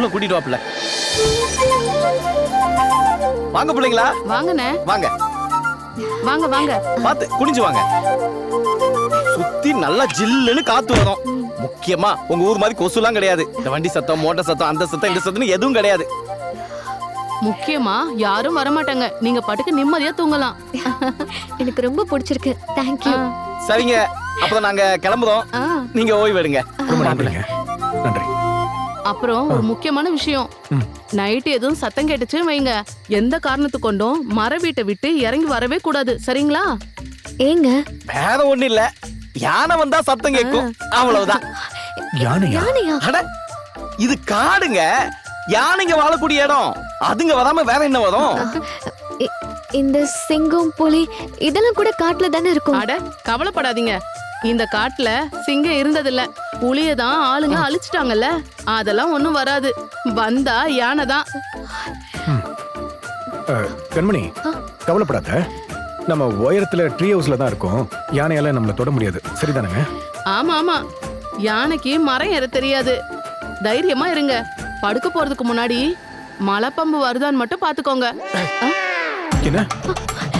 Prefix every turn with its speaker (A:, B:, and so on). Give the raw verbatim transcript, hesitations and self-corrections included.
A: உள்ள கூட்டிட்டு வாப்ல. வாங்க பிள்ளைங்களா.
B: வாங்கண்ணே.
A: வாங்க
B: வாங்க வாங்க.
A: பாத்து குனிஞ்சு வாங்க. சுத்தி நல்லா ஜில்லுன்னு காத்து வரும். முக்கியமா உங்க ஊர் மாதிரி கொசுலாம் கிடையாது. இந்த வண்டி சத்தம், மோட்டார் சத்தம், அந்த சத்தம், இந்த சத்தம் எதுவும் கிடையாது.
B: முக்கியமா யாரும் வரமாட்டாங்க. நீங்க பாட்டுக்கு நிம்மதியா தூங்கலாம்.
C: எனக்கு ரொம்ப பிடிச்சிருக்கு. தேங்க்யூ.
A: சரிங்க, அப்பதான் நாங்க கிளம்புறோம். நீங்க ஓய்வு எடுங்க.
D: ரொம்ப நன்றிங்க. நன்றி.
B: அப்புறம் ஒரு முக்கியமான விஷயம், நைட்டு எதுவும் சத்தம் கேட்டுச்சு வைங்க, எந்த காரணத்து கொண்டும் மர வீட்டை விட்டு இறங்கி வரவே கூடாது. சரிங்களா?
C: ஏங்க
A: வேற ஒண்ணு இல்ல, யானை வந்தா சத்தம் கேட்கும், அவ்வளவுதான்.
D: யானையா?
C: யானையா?
A: அட இது காடுங்க, யானைங்க வாழக்கூடிய இடம். அதுங்க வராம வேற என்ன வரும்?
C: இ- இந்த சிங்கம் புலி இதெல்லாம் கூட காட்டுல தானே இருக்கும்.
B: அட கவலைப்படாதீங்க, இந்த காட்டுல சிங்கம் இருந்ததில்ல, புலிய தான் ஆளுங்க அழிச்சிட்டாங்கல்ல, அதெல்லாம் ஒண்ணும் வராது. வந்தா யானை தான்.
D: அஹ், கண்மணி கவலைப்படாத. நம்ம உயரத்துல ட்ரீ ஹவுஸ்ல தான் இருக்கோம். யானையால நம்மள தொட முடியாது. சரிதானுங்க?
B: ஆமா ஆமா, யானைக்கு மரம் ஏற தெரியாது. தைரியமா இருங்க. படுக்க போறதுக்கு முன்னாடி மலைப்பம்பு வருதான்னு மட்டும் பாத்துக்கோங்க.
D: என்ன?